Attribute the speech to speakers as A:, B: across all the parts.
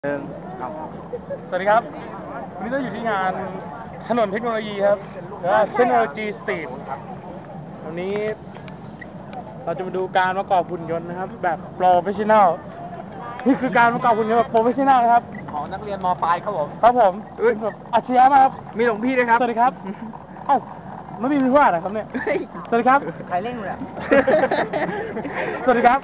A: สวัสดีครับวันนี้เราอยู่ที่งานถนนเทคโนโลยีครับหรือว่าเทคโนโลยีสตรีทวันนี้เราจะมาดูการประกอบหุ่นยนต์นะครับแบบโปรเฟชชั่นแนลนี่คือการประกอบหุ่นยนต์แบบโปรเฟชชั่นแนลนะครับ
B: ของนักเรียนม.ปลายครับผม
A: ครับผมแบบอาชีพมากครับ
B: มีหลวงพี่ด้วยครับ
A: สวัสดีครับเอ้าไม่มีพี่ว่าอะไรครับเนี่ยสวัสดีครับ
B: ใครเล่นเนี่ย
A: สวัสดีครับ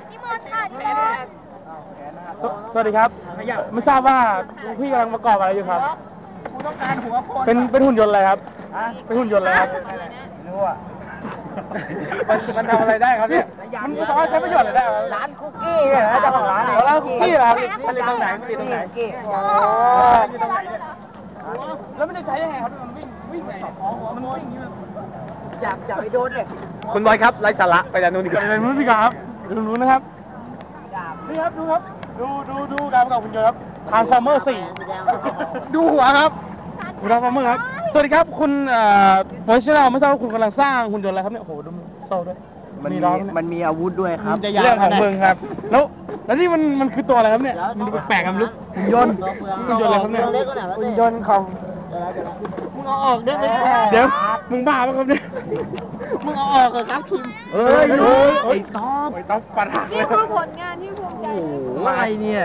A: สวัสดีครับไม่ทราบว่าพี่กำลังประกอบอะไรอยู่ครับ
B: กูต้องการหัวคน
A: เป็นหุ่นยนต์อะไรครับเป็นหุ่นยนต์อะไรครับ
B: ไม่รู้อ่ะมันทำอะไรได้ครับเนี่ย
A: มันสามารถใช้ประโยชน์อะไรได้ครับ
B: ร้านคุกกี้เนี่ยนะเจ้าของร้านเนี่ย
A: ร้านคุกกี้เหรอครับ
B: มันอยู่ตรงไหนมันอยู่ตรงไหน
A: อยู่ตรงไหนเนี่ยแล้วมันจะใช้ยังไงครับมันวิ่งไงมันวิ่งอย่างนี้มัน
B: อยากไปโดนเลยคุณบอยครับไร้สาระไปด้านนู้นดีกว่า
A: ไปนู้นดีกว่าครับดูนู้นนะครับนี่ครับดูครับดูการประกอบหุ่นยนต์ครับทางฟอร์เมอร์4ดูหัวครับดูทางฟอร์เมอร์ครับสวัสดีครับคุณโปรเฟชชั่นแนลไม่ทราบว่าคุณกำลังสร้างหุ่นยนต์อะไรครับเนี่ยโอ้โหดูโซ่ด้วย
B: มันมีอาวุธด้วยครับ
A: เรื่องของมึงครับแล้วนี่มันคือตัวอะไรครับเนี่ยมันดูแปลกๆครับลูกหุ่นยนต์อะไรครับเนี่ย
B: หุ่นยนต์ของ
A: มึงเอาออกได้ไหมเดี๋ยวมึงบ้าป่ะครับเนี่ยมึงเอาออกเหรอครับคิม
B: ไอ้
A: ต๊อบปัญหา
C: นี่คือผลงานที่ภูมิใจที่สุด
B: อะไรเนี่ย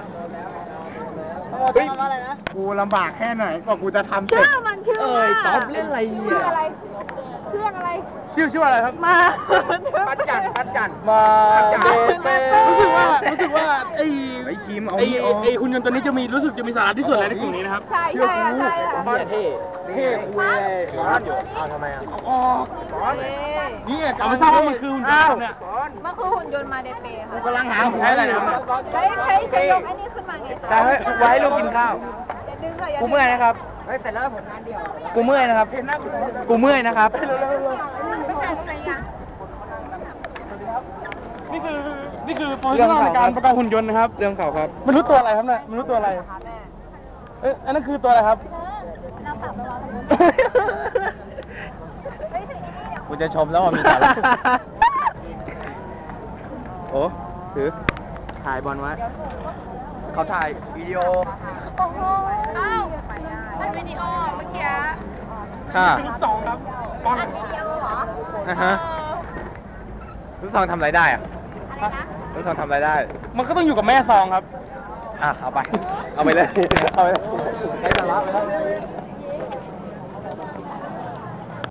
A: กูลำบากแค่ไหนกว่ากูจะทำเสร็จ
C: ชื่อมันชื่อว่า
B: ต๊อบเล่นอะไรเนี่ย
C: เครื่องอะไร
A: ชื่ออะไรครับ
C: มา
B: ปัดจัน
A: มา
C: เป้
A: รู้สึกว่าไอ้หุ่นยนต์ตัวนี้รู้สึกจะมีสาระที่สุดเลยในกลุ่มนี้นะครับ
C: ใช่
B: เท่คุยร้อนอยู่ทำไมอ่ะ
A: นี่เอาไม่ทราบว่ามันคือหุ่นยนต์เนี่ย
C: มันคือหุ่นยนต์มาเดเปค่ะ
A: กำลังหาใช้อะไรนะ
C: ใช้ยกไอ้นี่ขึ้นมาไงคะ
B: จะไว้ลูกกินข้าวกูเมื่อยนะครับเสร็จแล้วผลงานเดียวกูเมื่อยนะครับกูเมื่อยนะครับ
A: นี่คือโปรเจกต์ในการประกอบหุ่นยนต์นะครับ
B: เรื่องเขาครับ
A: มันรู้ตัวอะไรครับเนี่ยมันรู้ตัวอะไรอันนั้นคือตัวอะไรครับ
B: กูจะชมแล้วว่ามีสาระโอ้ถือถ่ายบอลไว้เขาถ่ายวิดีโอ
C: อ้าวมันวิดีโอเมื่อกี้
A: ลูกซองครับบอล
C: วิดีโอเหรอ
B: ลูกซองทำอะไรได้อะ
C: อะไรนะ
B: ลูกซองทำอะไรได้
A: มันก็ต้องอยู่กับแม่ซองครับ
B: เอาไปเลยใช้สาระไปแล้ว